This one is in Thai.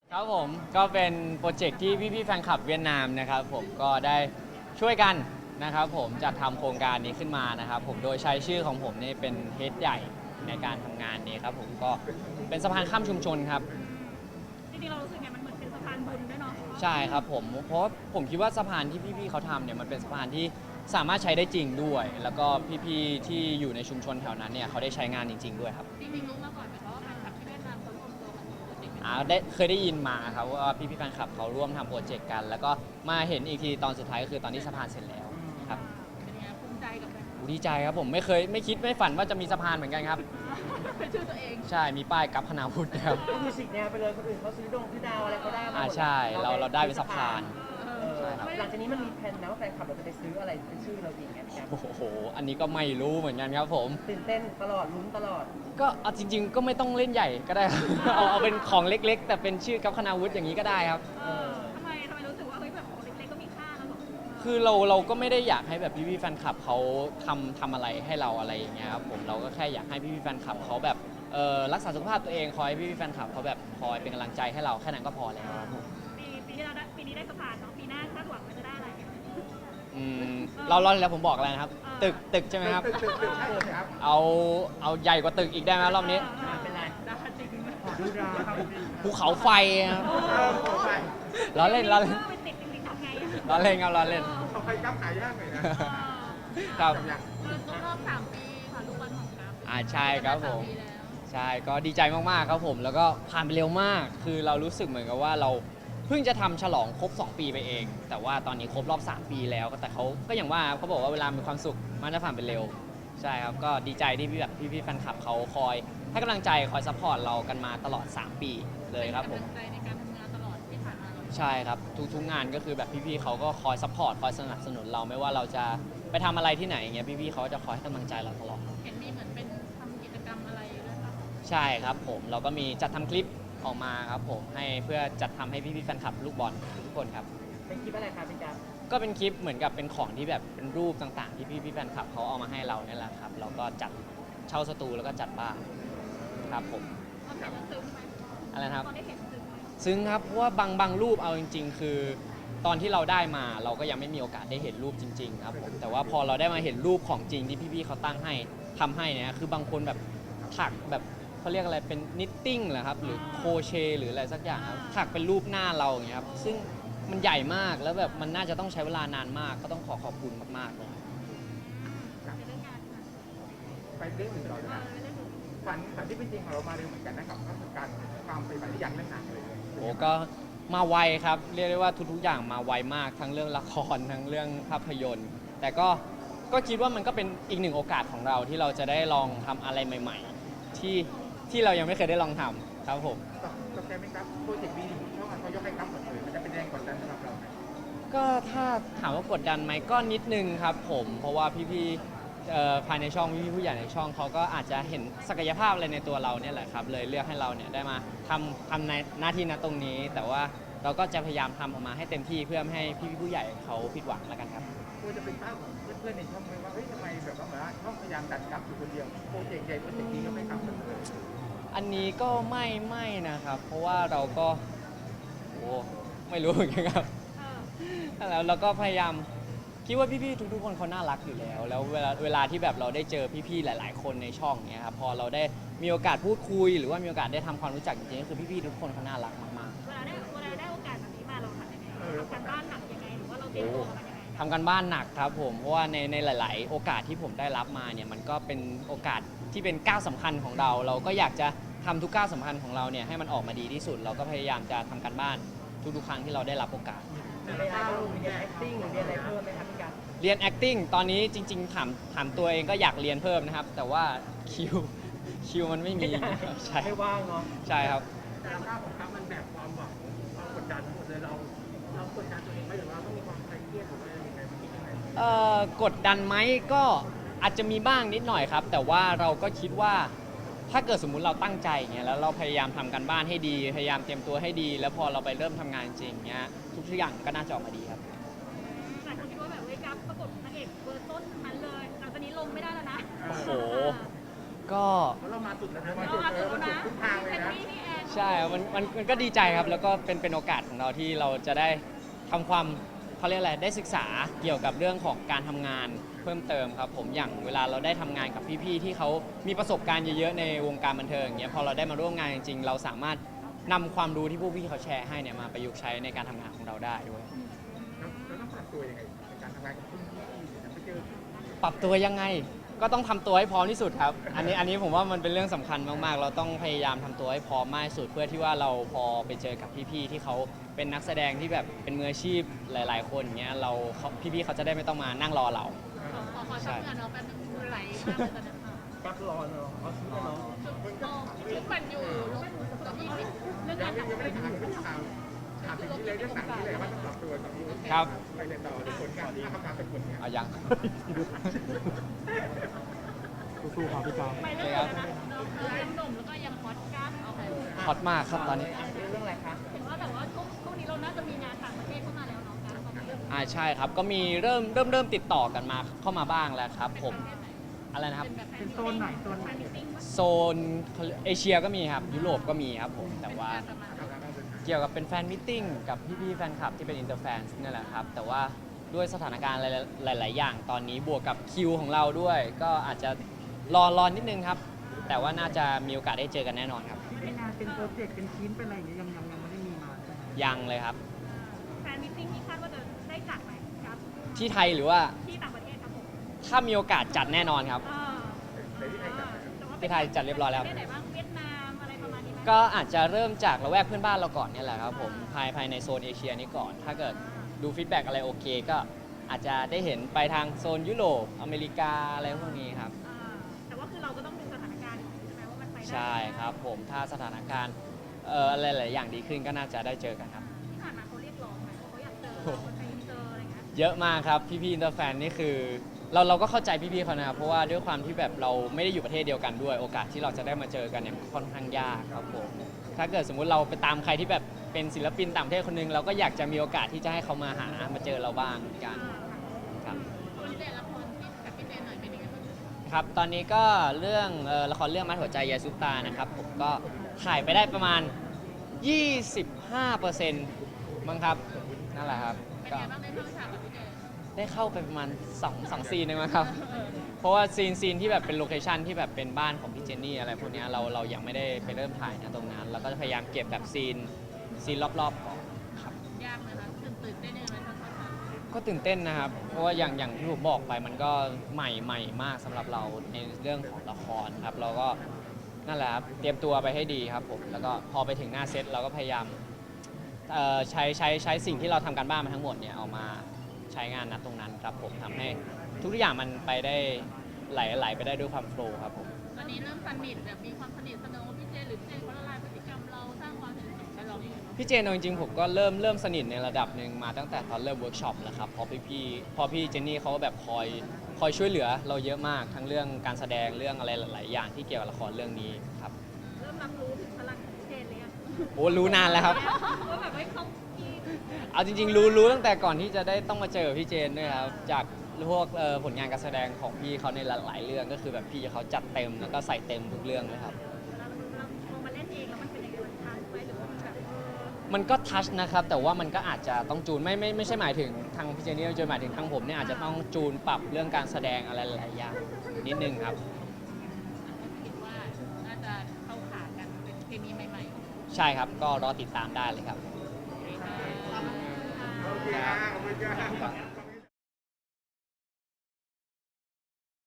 ครับผมก็เป็นโปรเจกต์ที่พี่ๆแฟนคลับเวียดนามนะครับผมก็ได้ช่วยกันนะครับผมจัดทำโครงการนี้ขึ้นมานะครับผมโดยใช้ชื่อของผมนี่เป็นเฮดใหญ่ในการทำงานนี้ครับผมก็เป็นสะพานข้ามชุมชนครับจริงๆเรารู้สึกไงมันเหมือนเป็นสะพานบุญด้วยเนาะใช่ครับผมเพราะผมคิดว่าสะพานที่พี่ๆเขาทำเนี่ยมันเป็นสะพานที่สามารถใช้ได้จริงด้วย แล้วก็พี่ๆที่อยู่ในชุมชนแถวนั้นเนี่ยเขาได้ใช้งานจริงๆด้วยครับจริงๆรู้มาก่อนไหมคะว่าแฟนคลับที่เวียดนามเขารวมตัวกันทำโปรเจกต์นี้เคยได้ยินมาครับว่าพี่ๆแฟนคลับเขาร่วมทำโปรเจกต์กัน แล้วก็มาเห็นอีกทีตอนสุดท้ายก็คือตอนที่สะพานเสร็จแล้วครับเป็นยังไงภูมิใจกับแฟนดีใจครับผมไม่คิดไม่ฝันว่าจะมีสะพานเหมือนกันครับเป็นชื่อตัวเองใช่มีป้ายกับคณาวุฒิครับก็คือสิกแนวไปเลยคนอื่นเขาซื้อดงซื้อดาวอะไรเขาได้มาหมดใช่เราได้เป็นสะพาน ใช่ครับหลังจากนี้มันมีแผนนะว่าแฟนคลับเราจะไปซื้ออะไรเป็นชื่อเราอีกไงพี่แอฟโอ้โหอันนี้ก็ไม่รู้เหมือนกันครับผมตื่นเต้นตลอดลุ้นตลอดก็เอาจริง ๆ ก็ไม่ต้องเล่นใหญ่ก็ได้ครับ เอาเป็นของเล็กๆ แต่เป็นชื่อกับคณาวุฒิอย่างนี้ก็ได้ครับทำไมรู้สึกว่าเฮ้ยแบบของเล็กๆก็มีค่าแล้วหรอคือเราก็ไม่ได้อยากให้แบบพี่ๆแฟนคลับเขาทำอะไรให้เราอะไรอย่างเงี้ยครับผมเราก็แค่อยากให้พี่ๆแฟนคลับเขาแบบรักษาสุขภาพตัวเองคอยพี่ๆแฟนคลับเขาแบบคอยเป็นกำลังใจให้เราแค่นั้นก็พอแล้วครับผมปีที่เราได้ปีนี้ได้สะพานเนาะปีหน้าคาดหวังว่าจะได้อะไรเราแล้วผมบอกอะไรนะครับ ตึกใช่ไหมครับตึกใช่เลยครับเอาใหญ่กว่าตึกอีกได้ไหมรอบนี้เป็นไรได้จริงขอดูดาวภูเขาไฟครับไปล้อเล่นล้อเล่นไปติดจริงๆทำไงล้อเล่นครับล้อเล่นเขาไปกับหายากหน่อยนะครับครบรอบ3 ปีค่ะลูกบอลของกัฟใช่ครับผม 3 ปีแล้วใช่ก็ดีใจมากๆครับผมแล้วก็ผ่านไปเร็วมาก คือเรารู้สึกเหมือนกับว่าเราเพิ่งจะทำฉลองครบ 2 ปีไปเอง แต่ว่าตอนนี้ครบรอบ 3 ปีแล้วแต่เขาก็อย่างว่าเขาบอกว่าเวลามีความสุขมันจะผ่านไปเร็วใช่ครับก็ดีใจที่พี่แฟนคลับเขาคอยให้กำลังใจคอยซัพพอร์ตเรากันมาตลอด 3 ปีเลยครับผมกำลังใจในการทำงานตลอดที่ผ่านมาเราใช่ครับทุกงานก็คือแบบพี่ๆเขาก็คอยซัพพอร์ตคอยสนับสนุนเราไม่ว่าเราจะไปทำอะไรที่ไหนอย่างเงี้ยพี่ๆเขาจะคอยให้กำลังใจเราตลอดเห็นมีเหมือนเป็นทำกิจกรรมอะไรด้วยป่ะใช่ครับผมเราก็มีจัดทำคลิปออกมาครับผมให้เพื่อจัดทำให้พี่ๆแฟนคลับลูกบอลทุกคนครับเป็นคลิปอะไรคะเป็นการก็เป็นคลิปเหมือนกับเป็นของที่แบบเป็นรูปต่างๆ ที่พี่ๆแฟนคลับเขาเอามาให้เราเนี่ยแหละครับเราก็จัดเช่าสตูแล้วก็จัดบ้านครับผมตอนเห็นแล้วซึ้งไหมอะไรนะครับตอนได้เห็นซึ้งไหมซึ่งครับเพราะว่าบางรูปเอาจริง ๆ คือ ตอนที่เราได้มาเราก็ยังไม่มีโอกาสได้เห็นรูปจริงๆครับผมแต่ว่าพอเราได้มาเห็นรูปของจริงที่พี่ๆเขาตั้งให้ทำให้เนี่ยคือบางคนแบบถักแบบเขาเรียกอะไรเป็นนิตติ้งเหรอครับหรือโครเชต์หรืออะไรสักอย่างครับถักเป็นรูปหน้าเราอย่างเงี้ยครับซึ่งมันใหญ่มากแล้วแบบมันน่าจะต้องใช้เวลานานมากก็ต้องขอบคุณมากๆเลยในเรื่องงานค่ะไปเรื่องอื่นต่อเลยนะในเรื่องอื่นฝันที่เป็นจริงของเรามาเร็วเหมือนกันนะครับก็คือการความไปฝันที่อยากเล่นหนังเลยโอ้ก็มาไวครับเรียกได้ว่าทุกๆอย่างมาไวมากทั้งเรื่องละครทั้งเรื่องภาพยนตร์ แต่ก็คิดว่ามันก็เป็นอีกหนึ่งโอกาสของเราที่เราจะได้ลองทำอะไรใหม่ๆ ที่เรายังไม่เคยได้ลองทำครับผมตกใจไหมครับโปรเจกต์บีช่องเขายกให้ครับหมดเลยมันจะเป็นแรงกดดันสำหรับเราไหมก็ถ้าถามว่ากดดันไหมก็นิดนึงครับผมเพราะว่าพี่ๆภายในช่องพี่ๆผู้ใหญ่ในช่องเขาก็อาจจะเห็นศักยภาพอะไรในตัวเราเนี่ยแหละครับเลยเลือกให้เราเนี่ยได้มาทำในหน้าที่ณตรงนี้ แต่ว่าเราก็จะพยายามทำออกมาให้เต็มที่เพื่อไม่ให้พี่ๆผู้ใหญ่เขาผิดหวังแล้วกันครับควรจะเป็นภาพของเพื่อนๆในช่องไหมว่าเฮ้ยทำไมแบบว่าเหมือนว่าช่องพยายามดันกลับอยู่คนเดียวโปรเจกต์ใหญ่โปรเจกต์นี้ก็ไม่กลับหมดเลยอันนี้ก็ไม่นะครับ เพราะว่าเราก็ไม่รู้เหมือนกันครับ แล้วเราก็พยายามคิดว่าพี่ๆทุกๆคนเขาน่ารักอยู่แล้ว แล้วเวลาที่แบบเราได้เจอพี่ๆหลาย ๆ คนในช่องเนี้ยครับพอเราได้มีโอกาสพูดคุย หรือว่ามีโอกาสได้ทำความรู้จักจริงๆก็คือพี่ๆทุกคนเขาน่ารักมากเวลาได้โอกาสแบบนี้มาเราทำยังไงทำการบ้านหนักยังไงหรือว่าเราเตรียมตัวมายังไงๆทำกันบ้านหนักครับผมเพราะว่าในหลาย ๆ โอกาสที่ผมได้รับมาเนี่ยมันก็เป็นโอกาสที่เป็นก้าวสำคัญของเรา เราก็อยากจะทำทุกก้าวสำคัญของเราเนี่ยให้มันออกมาดีที่สุด เราก็พยายามจะทำการบ้านทุกๆครั้งที่เราได้รับโอกาสมีอะไรบ้างมีเรียน acting หรือเรียนอะไรเพิ่มไหมครับพี่การเรียน acting ตอนนี้จริงๆถามตัวเองก็อยากเรียนเพิ่มนะครับ แต่ว่าคิวมันไม่มีใช่ไม่ว่างเนาะใช่ครับแต่ภาพของครับมันแบบความหวังความกดดันหมดเลยเรากดดันตัวเองไหมหรือว่าต้องมีความเครียดหรือว่ายังไงมันคิดยังไงกดดันไหมก็อาจจะมีบ้างนิดหน่อยครับ แต่ว่าเราก็คิดว่าถ้าเกิดสมมุติเราตั้งใจอย่างเงี้ยแล้วเราพยายามทำกันบ้านให้ดี พยายามเตรียมตัวให้ดี แล้วพอเราไปเริ่มทำงานจริงเงี้ยทุกอย่างก็น่าจะออกมาดีครับหลายคนคิดว่าแบบเว้ยกัฟประกบนางเอกเบอร์ต้นทั้งนั้นเลยหลังจากนี้ลงไม่ได้แล้วนะโอ้โห ก็เพราะเรามาสุดแล้วนะเราอาจจะรู้นะทุกทางเลยนะพี่แอนใช่ครับมันก็ดีใจครับ แล้วก็เป็นโอกาสของเราที่เราจะได้ทำความเขาเรียกอะไรได้ศึกษาเกี่ยวกับเรื่องของการทำงานเพิ่มเติมครับผมอย่างเวลาเราได้ทำงานกับพี่ๆที่เขามีประสบการณ์เยอะๆในวงการบันเทิงอย่างเงี้ยพอเราได้มาร่วมงานจริงๆ เราสามารถนำความรู้ที่พวกพี่เขาแชร์ให้เนี่ยมาประยุกต์ใช้ในการทำงานของเราได้ด้วยแล้วต้องปรับตัวยังไงในการทำงานกับรุ่นพี่ไปเจอปรับตัวยังไงก็ต้องทำตัวให้พร้อมที่สุดครับ อันนี้ผมว่ามันเป็นเรื่องสำคัญมากๆ เราต้องพยายามทำตัวให้พร้อมมากที่สุดเพื่อที่ว่าเราพอไปเจอกับพี่ๆที่เขาเป็นนักแสดงที่แบบเป็นมืออาชีพหลาย ๆ คนอย่างเงี้ยพี่ๆเขาจะได้ไม่ต้องมานั่งรอเราขอทำงานเราแป๊บนึงมือไหลมากเลยตอนนั้นค่ะกักรอเนาะเอาซื้อเนาะชุดมันอยู่ลูกตัวที่เรื่องยักาง รไม่ทำได้ถามถึงนี้เลยก็ถามนี้เลยว่าต้องปรับตัวกับรุ่นครับไปเรียนต่อหรือผลงานคำถามเป็นผลงานเอายังสู้ๆครับพี่จอมไปเรื่องอะไรนะยังหนุ่มแล้วก็ยังฮอตก้าเอาไปฮอตมากครับตอนนี้เรื่องอะไรคะเห็นว่าแต่ว่าช่วงนี้เราน่าจะมีงานต่างประเทศเข้ามาแล้วเนาะการตอนนี้ใช่ครับก็มีเริ่มติดต่อกันมาเข้ามาบ้างแล้วครับผมอะไรนะครับเป็นโซนไหนโซนไหนโซนเอเชียก็มีครับยุโรปก็มีครับผมแต่ว่าเกี่ยวกับเป็นแฟนมิทติ้งกับพี่ๆแฟนคลับที่เป็นอินเตอร์แฟนนี่แหละครับแต่ว่าด้วยสถานการณ์หลาย ๆ อย่างตอนนี้บวกกับคิวของเราด้วย ก็อาจจะรอนิดนึงครับ แต่ว่าน่าจะมีโอกาสได้เจอกันแน่นอนครับเป็นงานเป็นโปรเจกต์เป็นชิ้นเป็นอะไรอย่างเงี้ยยังไม่ได้มีมาใช่ไหมยังเลยครับแฟนมิทติ้งที่คาดว่าจะได้จัดไหมครับที่ไทยหรือว่าที่ต่างประเทศครับผมถ้ามีโอกาสจัดแน่นอนครับแต่ที่ไทยกับที่ไทยจัดเรียบร้อยแล้วประเทศไหนบ้างเวียดนามอะไรประมาณนี้ไหมก็อาจจะเริ่มจากละแวกเพื่อนบ้านเราก่อนเนี่ยแหละครับผมภายในโซนเอเชียนี้ก่อน ถ้าเกิดดูฟีดแบ็กอะไรโอเค ก็อาจจะได้เห็นไปทางโซนยุโรปอเมริกาอะไรพวกนี้ครับแต่ว่าคือเราก็ต้องดูสถานการณ์ใช่ไหมว่ามันไปได้ใช่ครับผมถ้าสถานการณ์อะไรหลายอย่างดีขึ้นก็น่าจะได้เจอกันครับที่ผ่านมาเขาเรียกร้องไหมเขาอยากเจอเราคนไปเจออะไรเงี้ยเยอะมากครับพี่ๆอินเตอร์แฟนนี่คือเราก็เข้าใจพี่ๆเขานะครับเพราะว่าด้วยความที่แบบเราไม่ได้อยู่ประเทศเดียวกันด้วย โอกาสที่เราจะได้มาเจอกันเนี่ยค่อนข้างยากครับผมถ้าเกิดสมมุติเราไปตามใครที่แบบเป็นศิลปินต่างประเทศคนหนึงเราก็อยากจะมีโอกาสที่จะให้เขามาเจอเราบ้างเหมือนกันครับคนเด่นละครที่กับพี่เจนหน่อยเป็นยังไงบ้างครับตอนนี้ก็เรื่องละครเรื่องมัดหัวใจยายซุปตานะครับผมก็ถ่ายไปได้ประมาณ 25%มั้งครับนั่นแหละครับเป็นก็ยังไงบ้างได้เข้าฉากกับพี่เจนได้เข้าไปประมาณ2 ซีนเองมั้งครับ เพราะว่าซีนที่แบบเป็นโลเคชันที่แบบเป็นบ้านของพี่เจนนี่อะไรพวกเนี้ยเรายังไม่ได้ไปเริ่มถ่ายนะตรงนั้น เราก็จะพยายามเก็บแบบซีนรอบๆก่อนครับยากไหมคะตื่นเต้นยังไงตอนเข้าฉากก็ตื่นเต้นนะครับ เพราะว่าอย่างที่ผมบอกไปมันก็ใหม่มากสำหรับเราในเรื่องของละครครับ เราก็นั่นแหละครับเตรียมตัวไปให้ดีครับผมแล้วก็พอไปถึงหน้าเซตเราก็พยายามใช้สิ่งที่เราทำการบ้านมาทั้งหมดเนี่ยเอามาใช้งานณตรงนั้นครับผมทำให้ทุกอย่างมันไปได้ไหลไปได้ด้วยความโฟล์ครับผมตอนนี้เริ่มสนิทแบบมีความสนิทสนมพี่เจนหรือพี่เจนเขาละลายพฤติกรรมเราสร้างความสนิทสนมกับเราอย่างไรพี่เจนเอาจริงๆผมก็เริ่มสนิทในระดับหนึ่งมาตั้งแต่ตอนเริ่มเวิร์กช็อปแล้วครับเพราะพี่เจนนี่เขาก็แบบคอยช่วยเหลือเราเยอะมากทั้งเรื่องการแสดงเรื่องอะไรหลายๆอย่างที่เกี่ยวกับละครเรื่องนี้ครับเริ่มรับรู้ถึงพลังของพี่เจนเลยอะโอ้รู้นานแล้วครับว่าแบบว่าเขาพี่เอาจริงๆรู้ตั้งแต่ก่อนที่จะได้ต้องมาเจอพี่เจนด้วยครับจากพวกผลงานการแสดงของพี่เขาในหลายๆเรื่องก็คือแบบพี่เขาจัดเต็มแล้วก็ใส่เต็มทุกเรื่องเลยครับเราพอมาเล่นเองแล้วมันเป็นยังไงมันทันไหมหรือว่ามันแบบมันก็ทัชนะครับแต่ว่ามันก็อาจจะต้องจูนไม่ใช่หมายถึงทางพี่เจนนี่จะหมายถึงทางผมเนี่ยอาจจะต้องจูนปรับเรื่องการแสดงอะไรหลายๆอย่างนิดนึงครับคิดว่าน่าจะเข้าขากันเป็นเคมีใหม่ๆใช่ครับก็รอติดตามได้เลยครับโอเคค่ะโอเคขอบคุณครับ